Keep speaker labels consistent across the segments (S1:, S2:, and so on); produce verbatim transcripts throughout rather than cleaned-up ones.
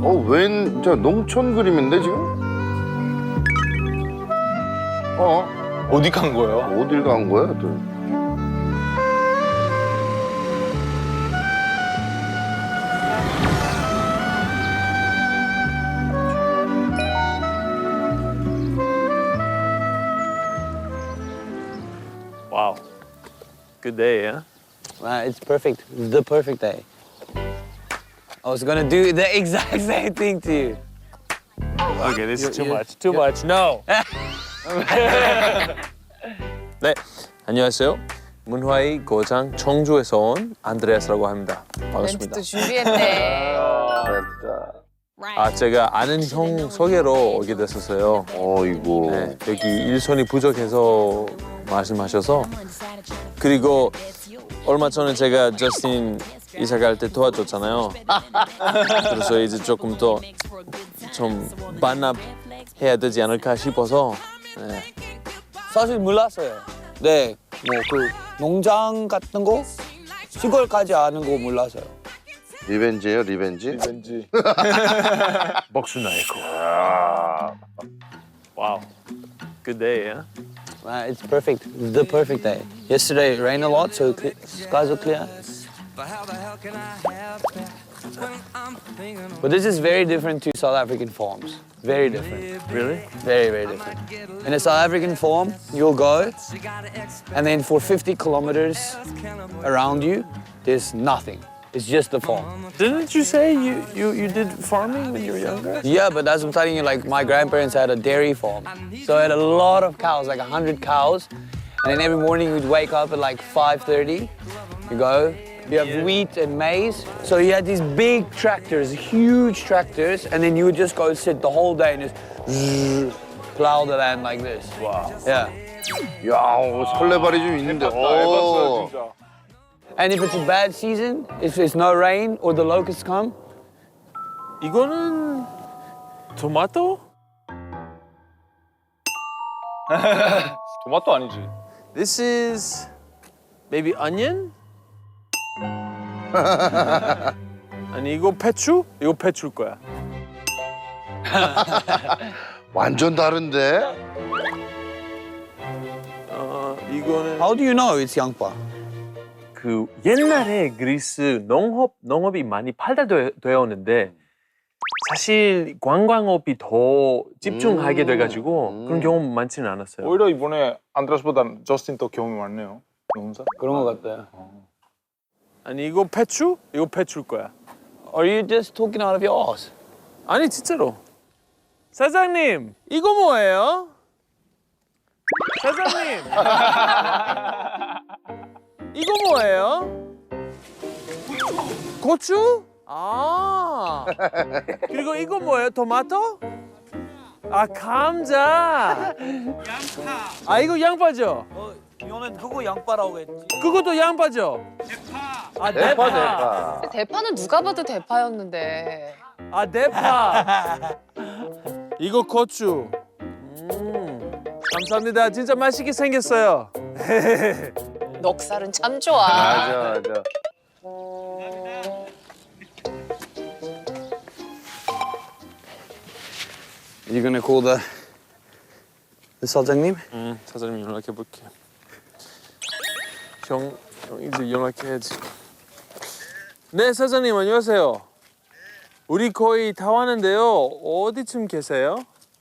S1: 어, 웬, 저 농촌 그림인데 지금? 어?
S2: 어디 간 거예요?
S1: 어딜 간 거야, 또?
S3: Wow. Good day, huh?
S4: Uh, it's perfect. It's the perfect day. I was gonna do the exact same thing to you.
S3: Okay, this is too
S4: you-
S3: much. Too much. No. 네, 안녕하세요. 문화의 고장 청주에서 온 안드레아스라고 합니다. 반갑습니다.
S5: 멘트도 준비했네.
S3: 아, 제가 아는 형 소개로 오게 됐었어요.
S1: 어이구.
S3: 네, 여기 일손이 부족해서 말씀하셔서 그리고 얼마 전에 제가 저스틴 이사 갈 때 도와줬잖아요. 그래서 이제 조금 더 좀 반납해야 되지 않을까 싶어서 네.
S4: 사실 몰랐어요. 네, 뭐 그 농장 같은 거 시골까지 아는 거 몰랐어요.
S1: 리벤지예요, 리벤지?
S2: 왠지.
S3: 복수나이코. Wow. Good day, huh?
S4: Uh, it's perfect. It's the perfect day. Yesterday it rained a lot, so cle- skies are clear. But this is very different to South African farms. Very different.
S3: Really?
S4: Very, very different. In a South African farm, you'll go, and then for fifty kilometers around you, there's nothing. It's just the farm.
S3: Didn't you say you, you, you did farming when you were younger?
S4: Yeah, but as I'm telling you, like my grandparents had a dairy farm. So I had a lot of cows, like a hundred cows. And then every morning we'd wake up at like five thirty. You go, you have wheat and maize. So you had these big tractors, huge tractors, and then you would just go sit the whole day and just zzz, plow the land like this.
S3: Wow.
S4: Yeah.
S1: 야, 어, 설레발이 좀 있는데. 오.
S2: 진짜.
S4: And if it's a bad season, if there's no rain or the locusts come,
S3: 이거는 토마토?
S2: 토마토 아니지.
S3: This is maybe onion? 아니 이거 배추? 이거 배추일 거야.
S1: 완전 다른데?
S3: 어 이거는
S4: how do you know it's 양파?
S3: 그 옛날에 그리스 농업 농업이 많이 발달되었는데 사실 관광업이 더 집중하게
S1: 음.
S3: 돼가지고
S1: 음.
S3: 그런 경험 많지는 않았어요.
S2: 오히려 이번에 안드레스보다 저스틴 더 경험이 많네요. 농사.
S4: 그런 것 같아요.
S3: 아니 이거 배추? 이거 배추일 거야.
S4: Are you just talking out of your ass?
S3: 아니 진짜로. 사장님 이거 뭐예요? 사장님 이거 뭐예요? 고추? 아 그리고 이거 뭐예요? 토마토? 아 감자. 양파. 아 이거 양파죠?
S4: 어, 이거는 그거 양파라고 했지.
S3: 그것도 양파죠? 대파. 아 대파.
S1: 대파, 대파.
S5: 대파는 누가 봐도 대파였는데.
S3: 아 대파. 이거 고추. 음 감사합니다. 진짜 맛있게 생겼어요.
S5: 넉살은 참 좋아.
S1: 맞아, 맞아.
S4: You gonna call the the 사장님?
S3: 응, 사장님 연락해 볼게. 형, 형 이제 연락해야지. 네, 사장님 안녕하세요. 우리 거의 다 왔는데요. 어디쯤 계세요?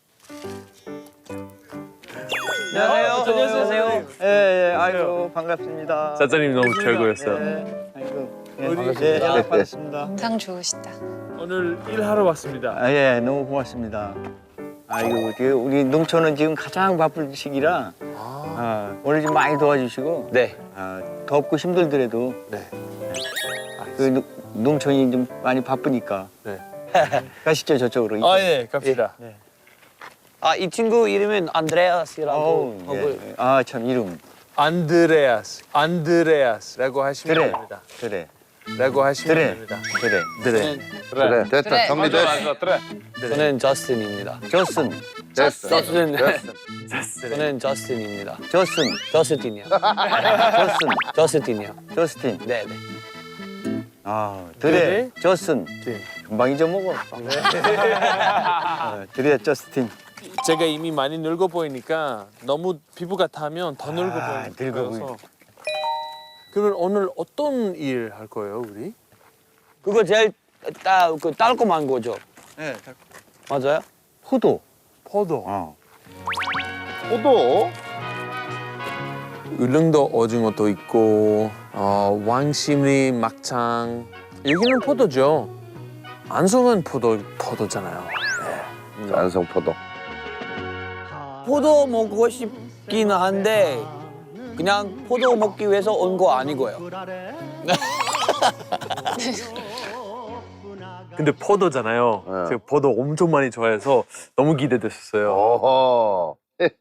S6: 안녕하세요.
S3: 안녕하세요.
S6: 예, 예, 아이고 반갑습니다.
S3: 사장님 너무 최고였어요.
S6: 예, 아이고, 예,
S3: 우리-
S6: 예, 연락 받았습니다.
S5: 인상 좋으시다.
S3: 오늘 일하러 왔습니다.
S6: 아, 예, 너무 고맙습니다. 아이고, 지금 우리 농촌은 지금 가장 바쁠 시기라 아, 오늘 좀 많이 도와주시고
S4: 네.
S6: 아, 덥고 힘들더라도
S3: 네.
S6: 그 농- 농촌이 좀 많이 바쁘니까
S3: 네.
S6: 가시죠 저쪽으로.
S3: 아, 예, 갑시다.
S4: 아, 이 친구 이름은 안드레아스라고
S6: 어우,
S4: 하고
S6: 예. 아, 참 이름.
S3: 안드레아스, 안드레아스라고 하시면
S6: 그래,
S3: 됩니다.
S6: 그래,
S3: 라고 하시면
S6: 그래,
S3: 됩니다.
S6: 그래.
S3: 네.
S1: 그래, 됐다.
S5: 그래.
S1: 정리됐어.
S2: 맞아, 그래.
S4: 저는 저스틴입니다.
S6: 저슨,
S1: 됐어.
S4: 저스틴.
S1: 됐어.
S4: 저는 저스틴입니다.
S6: 저슨,
S4: 저스틴이요.
S6: 저슨,
S4: 저스틴이요.
S6: 저스틴.
S4: 네, 네.
S6: 아, 드레, 저슨.
S2: 네.
S6: 금방 잊어먹어. 어, 드레, 저스틴.
S3: 제가 이미 많이 늙어 보이니까 너무 피부가 타면 더 늙어
S6: 아, 늙어
S3: 보여서. 그러면 오늘 어떤 일 할 거예요, 우리?
S4: 그거 제일 따, 그 달콤한 거죠?
S6: 네,
S4: 맞아요?
S6: 포도.
S3: 포도.
S6: 어.
S1: 포도?
S3: 울릉도 오징어도 있고 어, 왕심리 막창 여기는 포도죠. 안성은 포도 포도잖아요.
S1: 안성 포도.
S4: 포도 먹고 싶기는 한데 그냥 포도 먹기 위해서 온 거 아니고요.
S3: 근데 포도잖아요.
S1: 네.
S3: 제가 포도 엄청 많이 좋아해서 너무 기대됐었어요.
S1: 어허.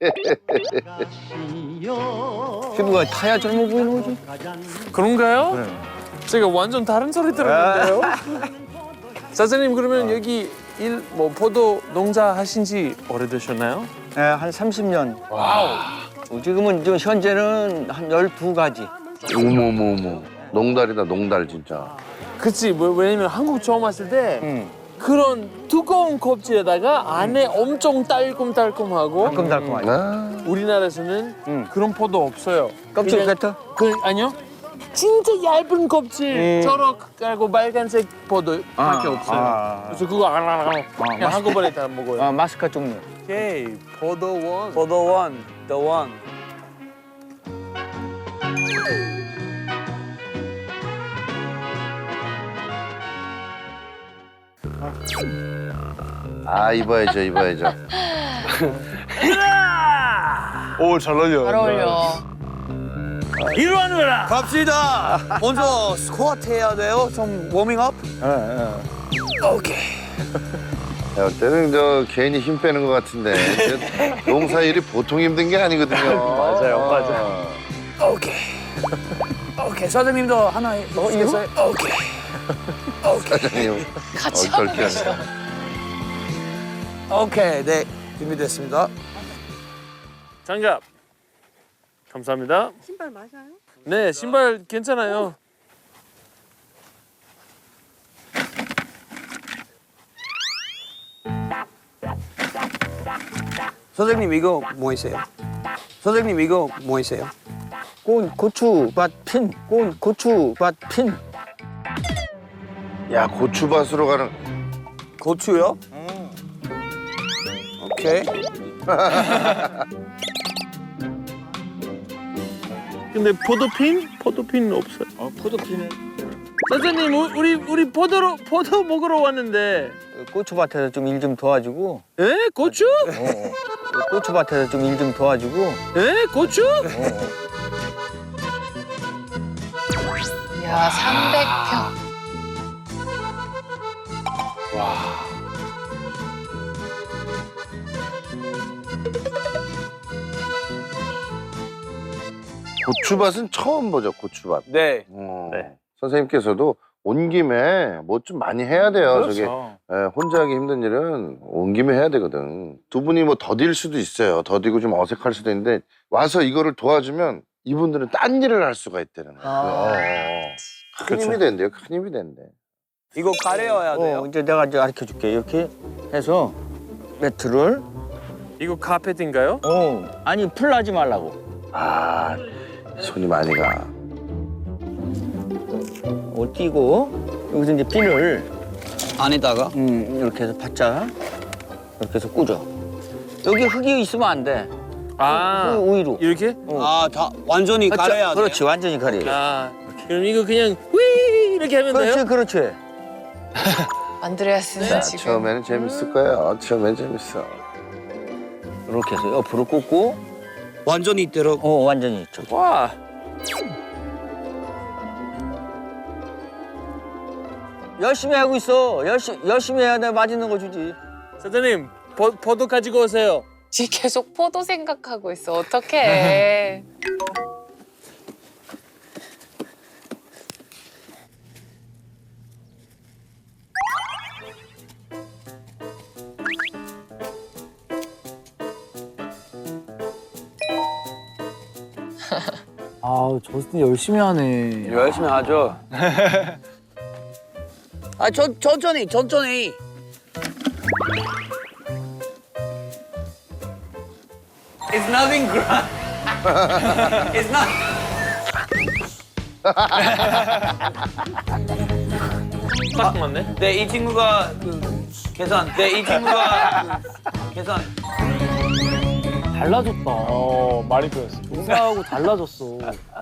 S6: 피부가 타야 젊어 보이는 거지.
S3: 그런가요?
S6: 네.
S3: 제가 완전 다른 소리 들었는데요. 사장님 그러면 여기 일 뭐 포도 농사 하신 지 오래되셨나요?
S6: 네, 한 삼십 년. 와우. 지금은 저 현재는 한 열두 가지.
S1: 어머머머. 농달이다 농달 진짜.
S3: 그치 뭐, 왜냐면 한국 처음 왔을 때
S6: 응.
S3: 그런 두꺼운 껍질에다가 안에 엄청 달콤달콤하고
S6: 달콤달콤하지.
S1: 아.
S3: 우리나라에서는
S6: 응.
S3: 그런 포도 없어요.
S6: 껍질
S3: 그냥-
S6: 같아?
S3: 그 아니요. 진짜 얇은 껍질,
S6: 음.
S3: 초록하고 빨간색 포도밖에
S6: 아,
S3: 없어요.
S6: 아.
S3: 그래서 그거 안 하나 그냥
S6: 맛있-
S3: 한꺼번에 다 먹어요.
S6: 아, 마스카 종류.
S3: 오케이, 포도원.
S4: 포도 원, the one.
S1: 아 입어야죠 입어야죠.
S2: 오, 잘 어울려.
S5: 잘 어울려.
S3: 이리 와라.
S4: 갑시다. 먼저 스쿼트 해야 돼요. 좀 워밍업.
S6: 예, 예.
S4: 오케이.
S1: 야, 때는 저 괜히 힘 빼는 것 같은데 이제 농사 일이 보통 힘든 게 아니거든요.
S3: 맞아요, 맞아요.
S4: 오케이. 오케이. 사장님도 하나 해주시겠어요? 오케이.
S1: 사장님
S5: 같이
S1: 어,
S5: 하고
S1: 그렇게
S5: 계셔.
S4: 오케이. 네. 준비됐습니다.
S3: 장갑. 감사합니다.
S7: 신발 맞아요?
S3: 네, 신발 괜찮아요.
S4: 선생님 이거 뭐 있어요? 선생님 이거 뭐 있어요?
S6: 꽃, 고추밭 핀. 꽃, 고추밭 핀.
S1: 야 고추밭으로 가는.
S4: 고추요? 오케이.
S3: 근데 포도핀? 포도핀 없어요.
S6: 어, 포도핀을
S3: 사장님, 우- 우리 우리 포도로 포도 먹으러 왔는데.
S6: 고추밭에서 좀 일 좀 도와주고.
S3: 에? 고추?
S6: 어, 어. 고추밭에서 좀 일 좀 도와주고.
S3: 에? 고추?
S6: 어, 어.
S5: 야, 삼백 평.
S1: 고추밭은 처음 보죠 고추밭.
S4: 네.
S1: 어,
S3: 네.
S1: 선생님께서도 온 김에 뭐 좀 많이 해야 돼요. 저게
S2: 그렇죠.
S1: 예, 혼자 하기 힘든 일은 온 김에 해야 되거든. 두 분이 뭐 더딜 수도 있어요. 더디고 좀 어색할 수도 있는데 와서 이거를 도와주면 이분들은 딴 일을 할 수가 있다는 거예요.
S6: 아.
S1: 어, 어, 어. 큰 힘이 된대요. 큰 힘이 된대.
S4: 이거 가려야 돼요.
S6: 어, 이제 내가 이제 가르쳐 줄게. 이렇게 해서 매트를.
S3: 이거 카펫인가요?
S6: 어, 아니, 풀나지 말라고.
S1: 아 손이 많이 가.
S6: 어, 띄고 여기서 이제 핀을
S4: 안에다가
S6: 음, 이렇게 해서 바짝 이렇게 해서 꽂아. 여기 흙이 있으면 안 돼.
S3: 아,
S6: 그 우위로.
S3: 이렇게?
S4: 아, 다 완전히 가려야 돼요.
S6: 그렇지, 완전히 가려.
S3: 아, 그럼 이거 그냥 휘 이렇게 하면
S6: 그렇지,
S3: 돼요?
S6: 그렇지.
S5: 안드레아스는
S1: 자,
S5: 지금
S1: 처음에는 재밌을 거야. 처음엔 재밌어.
S6: 이렇게 해서 옆으로 꽂고,
S4: 완전히 이대로.
S6: 어, 완전히 저기.
S3: 와,
S6: 열심히 하고 있어. 열심히 열심히 해야 내 맛있는 거 주지.
S3: 사장님 포, 포도 가지고 오세요.
S5: 지금 계속 포도 생각하고 있어. 어떡해.
S8: 아, 저스틴 열심히 하네.
S4: 열심히 하죠. 아, 천, 천천히, 천천히. It's nothing grand. It's not.
S3: 딱 맞네.
S4: 네, 이 친구가 그 계산. 네, 이 친구가 그 계산.
S7: 달라졌다.
S2: 어, 많이 변했어.
S7: 인사하고 달라졌어.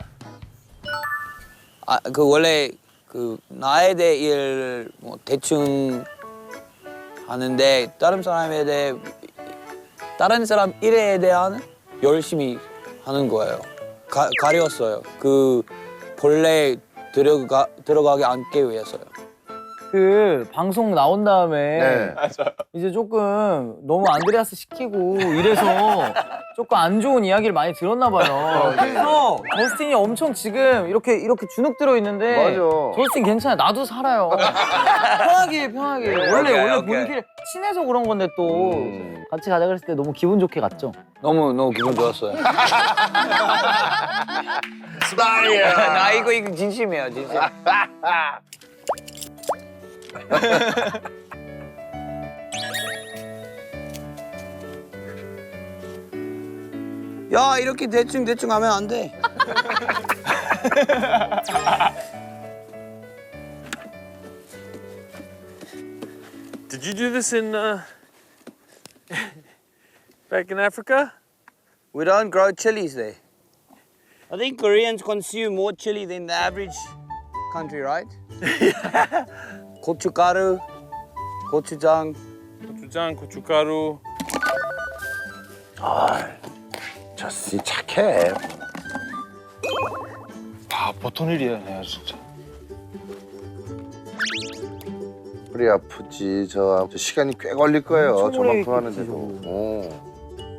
S4: 아, 그 원래 그 나에 대해 일뭐 대충 하는데 다른 사람에 대해 다른 사람 일에 대한 열심히 하는 거예요. 가, 가렸어요. 그 본래 들어가 들어가게 않기 위해서요.
S7: 그 방송 나온 다음에
S1: 네.
S7: 이제 조금 너무 안드레아스 시키고 이래서 조금 안 좋은 이야기를 많이 들었나 봐요. 그래서 저스틴이 엄청 지금 이렇게 이렇게 주눅 들어 있는데
S1: 맞아.
S7: 저스틴 괜찮아. 나도 살아요. 편하게 해, 편하게. 원래
S4: 오케이,
S7: 원래
S4: 오케이.
S7: 본길 친해서 그런 건데 또
S1: 음.
S7: 같이 가자 그랬을 때 너무 기분 좋게 갔죠.
S4: 너무 너무 기분 좋았어요.
S1: 스타일.
S4: 나 이거 이거 진심이에요, 진심. 야, 이렇게 대충 대충 하면 안 돼.
S3: Did you do this in uh, back in Africa?
S4: We don't grow chilies there. I think Koreans consume more chili than the average country, right? 고춧가루, 고추장.
S3: 고추장, 고춧가루.
S1: 저씨 착해.
S2: 아, 보통 일이 아니야, 진짜.
S1: 허리 아프지. 저, 저 시간이 꽤 걸릴 거예요.
S7: 엄청 오래
S1: 저만큼
S7: 있겠지,
S1: 하는데도.
S7: 저거.
S1: 어.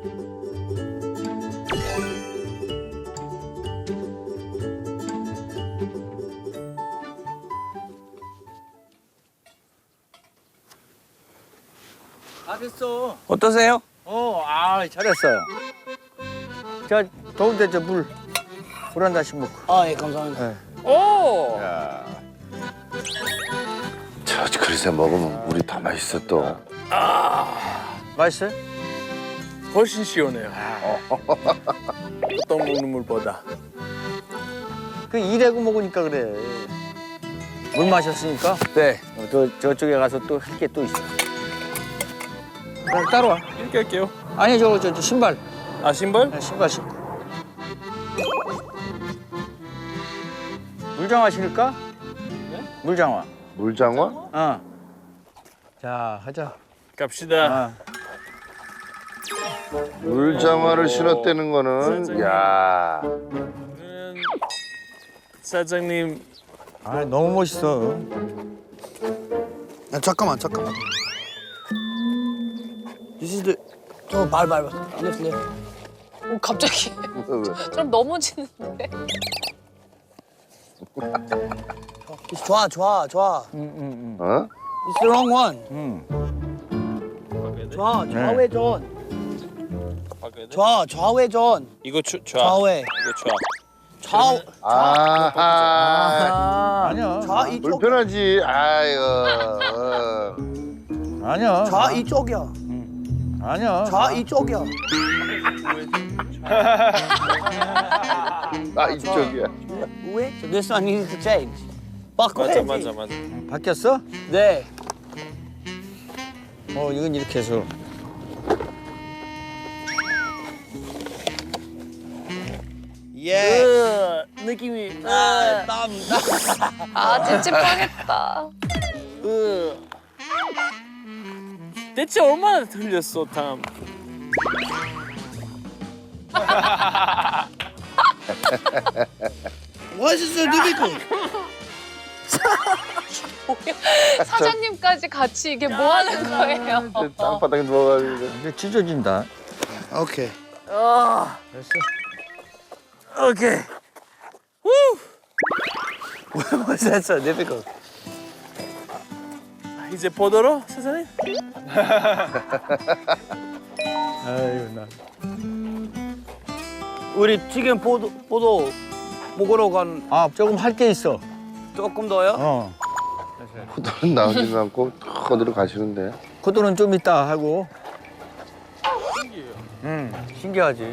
S6: 다 됐어.
S4: 어떠세요?
S6: 어, 아, 잘했어요. 자, 더운데 저 물. 물 한 잔씩 먹고.
S4: 아, 예, 감사합니다.
S3: 오!
S1: 야. 저 그릇에 먹으면 물이 더 맛있어 또.
S6: 맛있어요?
S3: 훨씬 시원해요. 어떤 먹는 물보다.
S6: 그 일하고 먹으니까 그래. 물 마셨으니까
S4: 네.
S6: 어, 저, 저쪽에 가서 또 할 게 또 있어. 자, 따라와.
S3: 이렇게 할게요.
S6: 아니, 저거 저, 저 신발.
S3: 아, 신발?
S6: 네, 신발 신고. 물장화 신을까?
S3: 네?
S6: 물장화.
S1: 물장화?
S6: 어. 자, 하자.
S3: 갑시다.
S6: 어.
S1: 물장화를 신었다는 거는 야.
S3: 음, 사장님
S6: 아, 너무 멋있어.
S4: 야, 잠깐만, 잠깐만. This is the... 어, 발, 발, 발. Left, left.
S5: 오, 갑자기
S1: 왜, 왜?
S5: 좀 넘어지는데.
S4: It's 좋아, 좋아, 좋아.
S6: 응, 응,
S1: 어?
S4: It's the wrong one.
S6: 응.
S4: 좋아,
S6: 네.
S4: 좌회전.
S3: 바꿔야 돼?
S4: 좌, 좌회전.
S3: 이거 좌, 좌.
S4: 좌회.
S3: 이거 좌.
S4: 좌,
S1: 아.
S7: 아,
S6: 아니야.
S4: 좌 이쪽.
S1: 불편하지. 아이고. 어.
S6: 아니야.
S4: 좌 이쪽이야.
S6: 아니야.
S4: 좌 이쪽이야.
S1: 아 이쪽이야.
S4: 왜? So this one needs to change. 바꿔야지.
S3: 맞아, 맞아, 맞아.
S6: 바뀌었어?
S4: 네.
S6: 어, 이건 이렇게 해서.
S4: 예.
S3: 으, 느낌이.
S4: 아, 땀, 땀.
S5: 아, 찝찝하겠다.
S3: 으. 대체 얼마나 틀렸어, 탐?
S4: Why is it so difficult?
S5: 뭐야? 사장님까지 같이 이게 뭐 하는 거예요?
S1: 땅바닥에 누워가지고.
S6: 이제 찢어진다.
S4: Okay.
S6: 됐어.
S3: 오케이.
S4: Why was that so difficult?
S3: 이제 보도록 사장님.
S6: 아유, 나.
S4: 우리 지금 보도 보도 먹으러 간
S6: 아, 조금 할 게 있어.
S4: 조금 더요?
S6: 어.
S1: 포도는 나오지도 않고 탁 어디로 가시는데.
S6: 포도는 좀 이따 하고. 신기해요. 응, 신기하지.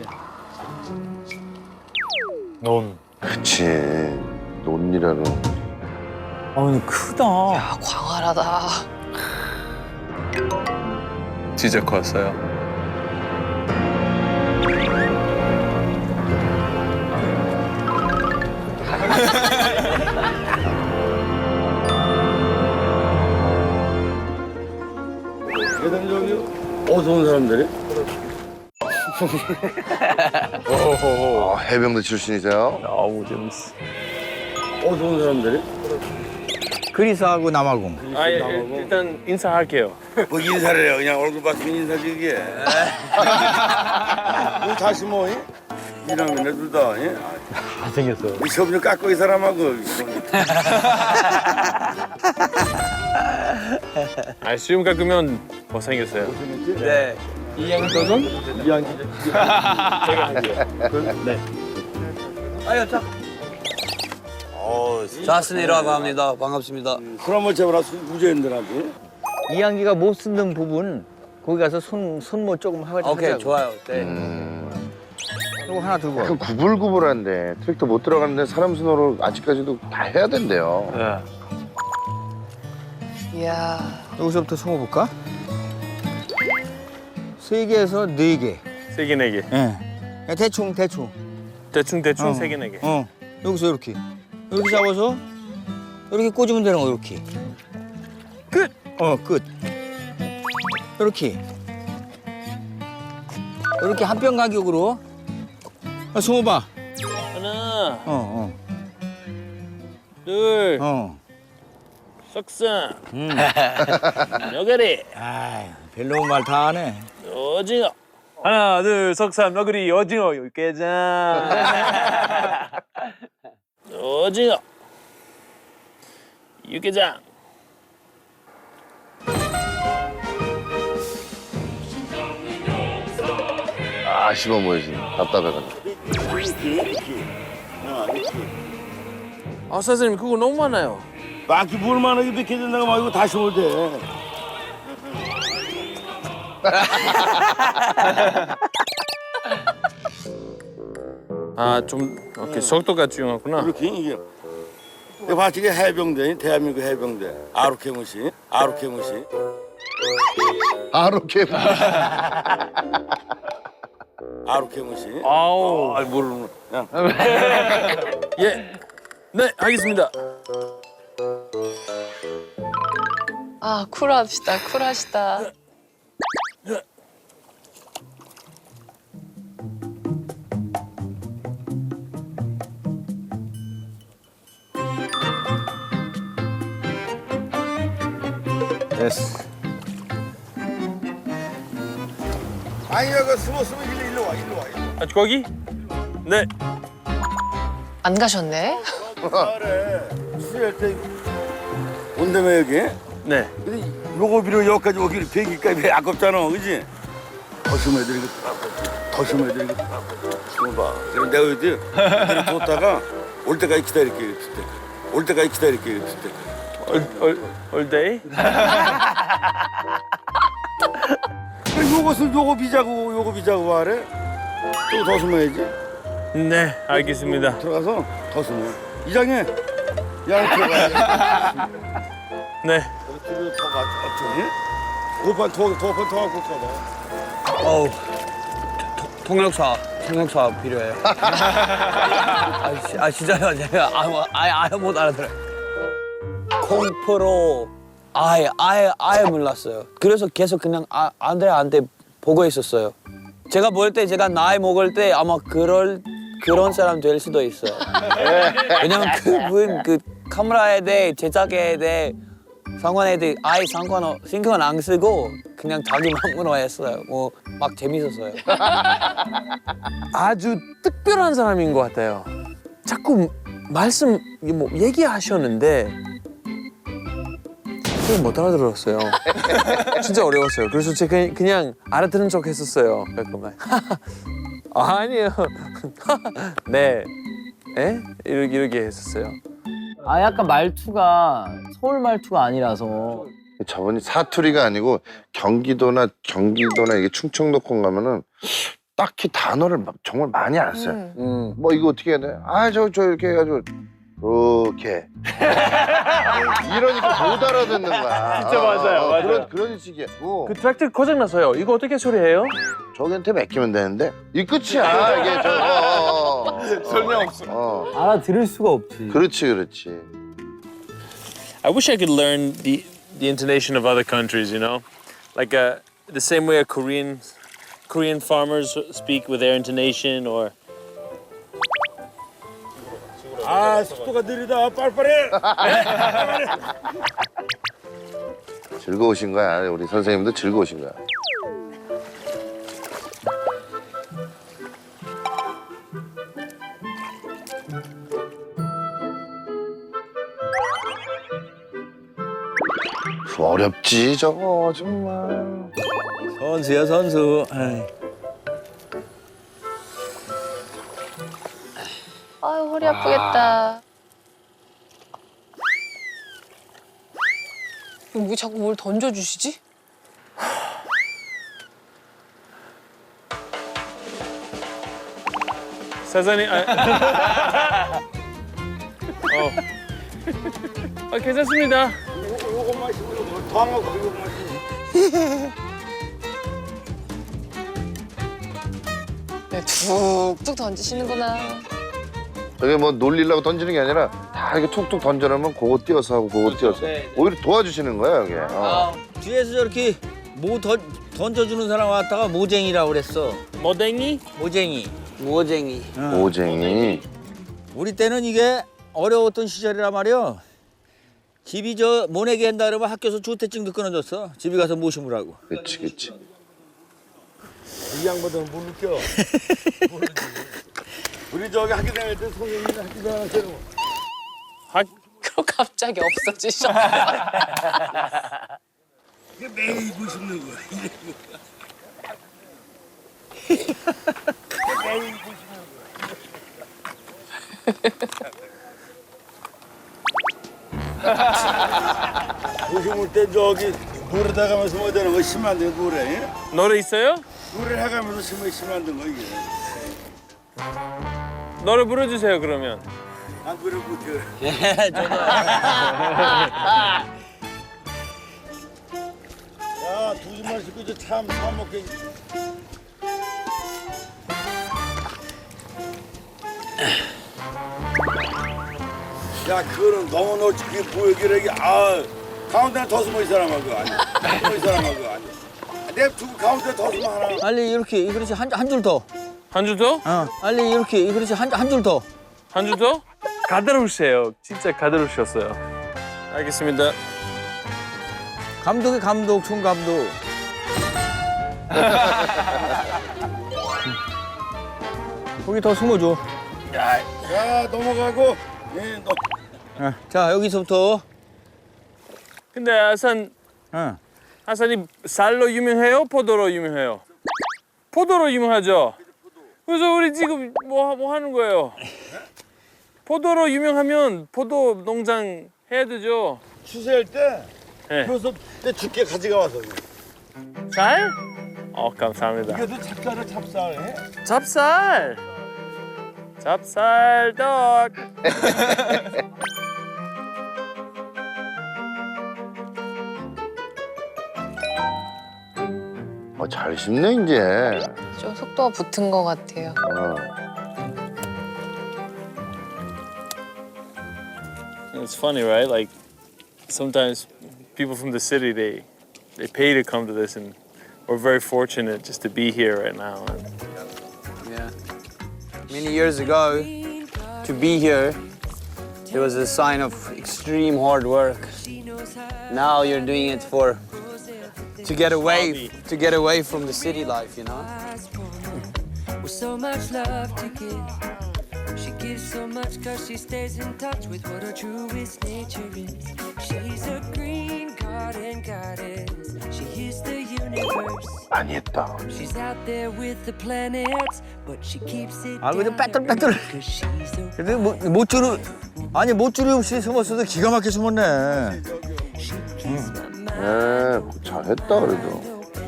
S2: 논.
S1: 그치. 논이라는.
S7: 아 근데 크다.
S5: 아, 광활하다.
S3: 진짜 컸어요.
S1: 얘들 저기 어디서 온 사람들이? 어, 해병대 출신이세요?
S3: 너무 재밌어.
S1: 어디서 온 사람들이?
S6: 그리스하고 남아공.
S3: 아, 예, 일단 인사할게요.
S1: 뭐 인사를 해요. 그냥 얼굴 봤으면 인사지 그게. 뭐 다시 뭐 이? 이런 거네 둘 다. 예?
S6: 잘생겼어.
S1: 이 시험 좀 깎고 이 사람하고.
S3: 아, 수염 깎으면 못생겼어요.
S4: 네.
S3: 이양이 도전?
S6: 아유, 자.
S4: 자슨이라고 합니다. 반갑습니다.
S1: 그러면 제발 무죄인들한테.
S6: 이양기가 못 쓰는 부분 거기 가서 손 손모 조금 하자.
S4: 오케이, 좋아요. 네.
S6: 이거 하나 들고 와.
S1: 그 구불구불한데 트랙터 못 들어가는데 사람 순으로 아직까지도 다 해야 된대요.
S2: 네.
S5: 이야.
S6: 여기서부터 숨어 볼까? 세 개에서 네 개.
S3: 세 개, 네 개.
S6: 예. 그냥 대충 대충.
S3: 대충 대충
S6: 어.
S3: 세 개, 네 개.
S6: 어. 여기서 이렇게. 이렇게 잡아서 이렇게 꽂으면 되는 거 이렇게. 끝. 어 끝. 이렇게. 이렇게 한 뼘 간격으로. 아, 숨어 봐.
S3: 하나,
S6: 어 어.
S3: 둘,
S6: 어.
S3: 석상,
S6: 음.
S3: 너구리,
S6: 아, 별로 말 다 하네.
S3: 오징어. 하나, 둘, 석삼, 너구리, 오징어, 육개장. 오징어, 육개장.
S1: 아 씹어 보이지. 답답해가지고.
S3: 아, 선생님 그거 너무 많아요.
S1: 막히 뭘 만하게 몇 개 된다고 막 이거 다시 올 때.
S3: 아, 좀 오케이 속도가 중요하구나.
S1: 이렇게 이게. 이거 봤지 이게 해병대, 대한민국 해병대. 아루케무시, 아루케무시. 아루케무시. 아루케무시.
S3: 아우,
S1: 아 모르는. 야.
S3: 예, 네, 알겠습니다.
S5: 아, 쿨하시다, 쿨하시다.
S6: 됐어.
S1: 아니야, 그 숨어 숨어 일로 일로 와, 일로 와. 일로
S3: 아, 거기? 네.
S5: 안 가셨네?
S1: 와. 그래. 수리할 때 온다며 여기.
S3: 네.
S1: 근데 요거 비로 여기까지 오기를 비행기값이 아깝잖아, 그지? 더 심어야되는 거, 더 심어야되는 거. 봐. 그럼 내가 어디 이대로 뒀다가 올 때까지 기다릴게, 이랬을 때. 올 때까지 기다릴게, 이랬을 때.
S3: 올, 올 데이?
S1: 그래, 요것을 요거 비자고, 요거 비자고 하래. 또 더 심어야지.
S3: 네, 알겠습니다.
S1: 들어가서 더 심어. 이장해. 야, 들어가.
S3: 네.
S1: 뒤로 더 가, 어쩌니? 도판 더, 도판 더 갖고 가봐.
S4: 어우, 통역사, 통역사 필요해요. 아, 시- 아 진짜요? 제가 아예 아예, 아예 못 알아들어요. 공포로 아예 아예 아예 몰랐어요. 그래서 계속 그냥 아, 안돼안돼 보고 있었어요. 제가 볼 때 제가 나이 먹을 때 아마 그럴 그런 사람 될 수도 있어요. 왜냐면 그분 그 카메라에 대해 제작에 대해 상관에 대해 아예 상관 어 신경 안 쓰고 그냥 자기 마음으로 했어요. 뭐 막 재밌었어요.
S3: 아주 특별한 사람인 것 같아요. 자꾸 말씀 뭐 얘기하셨는데 그걸 못 알아들었어요. 진짜 어려웠어요. 그래서 제가 그냥 알아듣는 척 했었어요. 잠깐만. 아, 아니에요. 네. 에? 이렇게, 이렇게 했었어요.
S7: 아 약간 말투가 서울 말투가 아니라서.
S8: 저분이 사투리가 아니고 경기도나 경기도나 이게 충청도권 가면은 딱히 단어를 막 정말 많이 안 써요.
S5: 음.
S4: 음.
S8: 뭐 이거 어떻게 해야 돼? 아 저 저 이렇게 해가지고 그렇게 이러니까 못 알아듣는 거야.
S2: 진짜 맞아요,
S8: 어,
S2: 맞아요.
S8: 그런 그런 식이야. 어,
S2: 그 트랙터 고장 났어요. 이거 어떻게 처리해요?
S8: 저기한테 맡기면 되는데 이 끝이야 이게 저. 어, 어,
S2: 설명 없어.
S8: 어,
S7: 알아들을 수가 없지.
S8: 그렇지 그렇지.
S3: I wish I could learn the the intonation of other countries, you know, like uh, the same way a Korean Korean farmers speak with their intonation, or
S1: 아 속도가 느리다. 빨리빨리.
S8: 즐거우신 거야. 우리 선생님도 즐거우신 거야. 어렵지 저거 정말.
S6: 선수야 선수. 아이.
S5: 아유 허리 아프겠다. 왜 자꾸 뭘 던져주시지?
S3: 사장님, 아, 어, 아, 괜찮습니다.
S1: 요것만 씹으면 더 하고 요것만 씹으면.
S5: 네, 툭툭 던지시는구나.
S8: 저게 뭐 놀리려고 던지는 게 아니라 다 이렇게 툭툭 던져놓으면 그거 띄어서 하고 그거 띄어서 오히려 도와주시는 거야 이게. 어.
S6: 뒤에서 저렇게 모 던, 던져주는 사람 왔다가 모쟁이라고 그랬어.
S3: 모댕이?
S6: 모쟁이.
S4: 모쟁이.
S8: 오쟁이.
S6: 우리 때는 이게 어려웠던 시절이라 말이야. 집이 저 모내기 한다 그러면 학교에서 주택증도 끊어줬어. 집에 가서 모시무라고.
S8: 그렇지 그렇지.
S1: 이 양반들은 못 느껴. 모르지. 우리 저기 학교 다닐 때 선생님이 학교 다닐 때는
S5: 그럼 갑자기 없어지셔.
S1: 이게 매일 입고 싶는 거야. 이래. 매일 입고 싶는 거야. 요즘 때 저기 노래 나가면서 뭐 되는 거 심한 데 노래.
S3: 노래 있어요?
S1: 노래 해가면서 심한 심한 데 거 이게.
S3: 노래 불러주세요, 그러면.
S1: 안 그래 못해.
S6: 예, 저도.
S1: 야, 두 주만 씻고 이제 참, 참 먹게. 야, 그거는 너무 너 그게 보여기래. 아, 가운데는 더 숨어 이 사람아 그거 아니야. 숨어 이 사람아 그거 아니야. 내 두고 가운데 더 숨어 하나.
S6: 빨리 이렇게 그렇지 한 한 줄 더.
S3: 한 줄 더?
S6: 어. 빨리 이렇게 그렇지 한 한 줄 더.
S3: 한 줄 더? 가다로우세요. 진짜 가다로우셨어요. 알겠습니다.
S6: 감독이 감독 총감독. 거기 더 숨어줘.
S1: 야, 야 넘어가고. 예, 너.
S6: 어. 자 여기서부터.
S3: 근데 아산,
S6: 어.
S3: 아산이 쌀로 유명해요? 포도로 유명해요? 포도로 유명하죠? 그래서 우리 지금 뭐, 뭐 하는 거예요? 포도로 유명하면 포도 농장 해야 되죠?
S1: 추세할 때.
S3: 네.
S1: 그래서 내 죽게 가져가 와서.
S3: 쌀? 어, 감사합니다.
S1: 이게도 찹쌀을 찹쌀. 해?
S3: 찹쌀! 찹쌀떡!
S8: 어, 잘 씹네 이제.
S5: 좀 속도가 붙은 것 같아요.
S8: 어.
S3: It's funny, right? Like sometimes people from the city they they pay to come to this, and we're very fortunate just to be here right now.
S4: Yeah. Many years ago, to be here, it was a sign of extreme hard work. Now you're doing it for to get away to get away from the city life, you know.
S9: With so much love to give, she gives so much cause she stays in touch with what her truest nature is. She's a green garden goddess, she is the universe.
S8: 많이 했다.
S9: She's out there with the planets, but she keeps it
S6: 아, 그냥
S9: down
S6: 빼뚤빼뚤.
S9: because she's a
S6: 근데 뭐, 모쭈르 아니 모쭈르 없이 숨었어도 기가 막히게 숨었네.
S8: 에, 잘했다 그래도.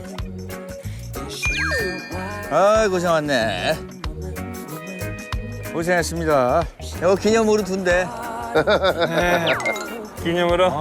S6: 아 고생 많네. 고생했습니다. 이거 기념으로 둔대.
S2: 기념으로.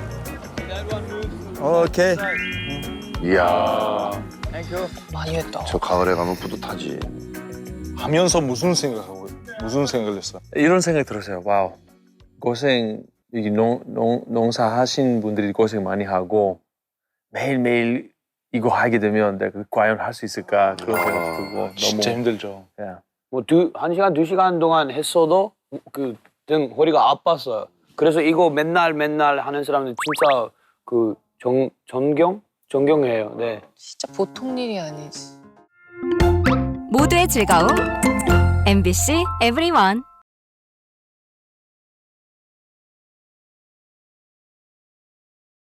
S6: 오케이.
S8: 이야,
S4: 많이 했다.
S8: 저 가을에 가면 뿌듯하지.
S2: 하면서 무슨 생각하고 무슨 생각을 했어?
S3: 이런 생각이 들었어요. 와우. 고생, 여기 농, 농, 농사하신 분들이 고생 많이 하고 매일매일 이거 하게 되면 내가 과연 할 수 있을까 그런 생각 들고 너무
S2: 진짜 힘들죠.
S3: 그냥
S4: 뭐 두 한 시간 두 시간 동안 했어도 그 등 허리가 아팠어요. 그래서 이거 맨날 맨날 하는 사람들 진짜 그 정 존경 존경해요. 네.
S5: 진짜 보통 일이 아니지.
S10: 모두의 즐거움 엠비씨 에브리원.